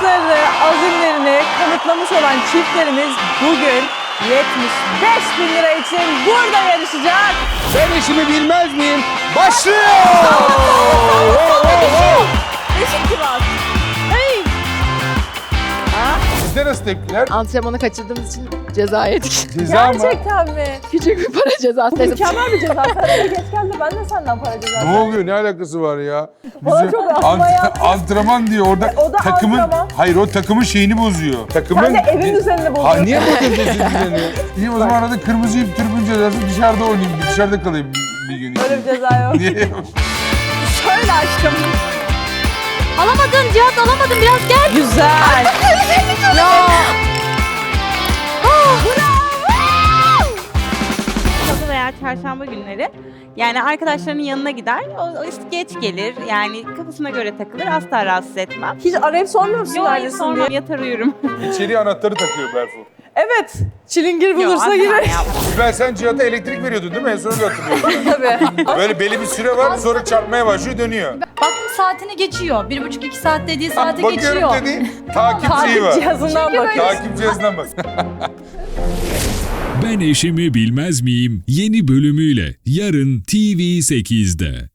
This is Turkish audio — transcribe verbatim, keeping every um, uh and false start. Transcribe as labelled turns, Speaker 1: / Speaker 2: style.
Speaker 1: hırslarını, azimlerini kanıtlamış olan çiftlerimiz bugün yetmiş beş bin lira için burada yarışacak.
Speaker 2: Ben işimi bilmez miyim? Başlıyor!
Speaker 1: Beşik kiraz. Hey.
Speaker 2: Sizde nasıl tepkiler?
Speaker 3: Antrenmanı kaçırdığımız için ceza yedik.
Speaker 2: Ceza mı?
Speaker 1: Gerçekten mi?
Speaker 3: Küçük bir para cezası.
Speaker 1: Mükemmel bir ceza. Sen eve geç gel de ben de senden para cezası.
Speaker 2: Ne oluyor? Ne alakası var ya?
Speaker 1: Bana
Speaker 2: Bizim
Speaker 1: çok asma
Speaker 2: ant-
Speaker 1: yaptı.
Speaker 2: antrenman diyor orada.
Speaker 1: O da
Speaker 2: takımın,
Speaker 1: antrenman.
Speaker 2: hayır o takımın şeyini bozuyor. Takımın...
Speaker 1: Sen de evin düzenini
Speaker 2: Ha
Speaker 1: bozuyorsun.
Speaker 2: niye bozuyorsun düzeni? İyi o zaman arada kırmızı ip tribün cezası dışarıda oynayayım. Dışarıda kalayım bir, bir gün.
Speaker 1: Öyle bir ceza yok.
Speaker 2: Niye?
Speaker 1: Şöyle aşkım.
Speaker 3: Alamadın Cihat, alamadın, biraz gel.
Speaker 1: Güzel.
Speaker 3: Ya.
Speaker 4: Salı veya çarşamba günleri yani arkadaşlarının yanına gider, o, o işte geç gelir yani kafasına göre takılır, asla rahatsız etmem.
Speaker 1: Hiç arayıp sormuyor musun
Speaker 4: Yok,
Speaker 1: neredesin
Speaker 4: sonra
Speaker 1: diye?
Speaker 4: yatar uyurum.
Speaker 2: İçeriye anahtarı takıyor Berfu.
Speaker 1: Evet. Çilingir
Speaker 4: Yok,
Speaker 1: bulursa
Speaker 4: asla
Speaker 1: girer.
Speaker 4: yapmam.
Speaker 2: Sibel sen Cihat'a elektrik veriyordun değil mi? En son öyle hatırlıyorum ben.
Speaker 1: Tabii.
Speaker 2: Böyle belli bir süre var sonra çarpmaya başlıyor dönüyor.
Speaker 5: Baktım saatini geçiyor. Bir buçuk iki saat dediği
Speaker 2: Ha,
Speaker 5: saati
Speaker 2: bakıyorum
Speaker 5: geçiyor.
Speaker 2: dedi. Takip şeyi
Speaker 1: Takip
Speaker 2: var.
Speaker 1: cihazından bakıyor.
Speaker 2: Takip cihazından bak.
Speaker 6: Ben eşimi bilmez miyim? Yeni bölümüyle yarın T V sekizde.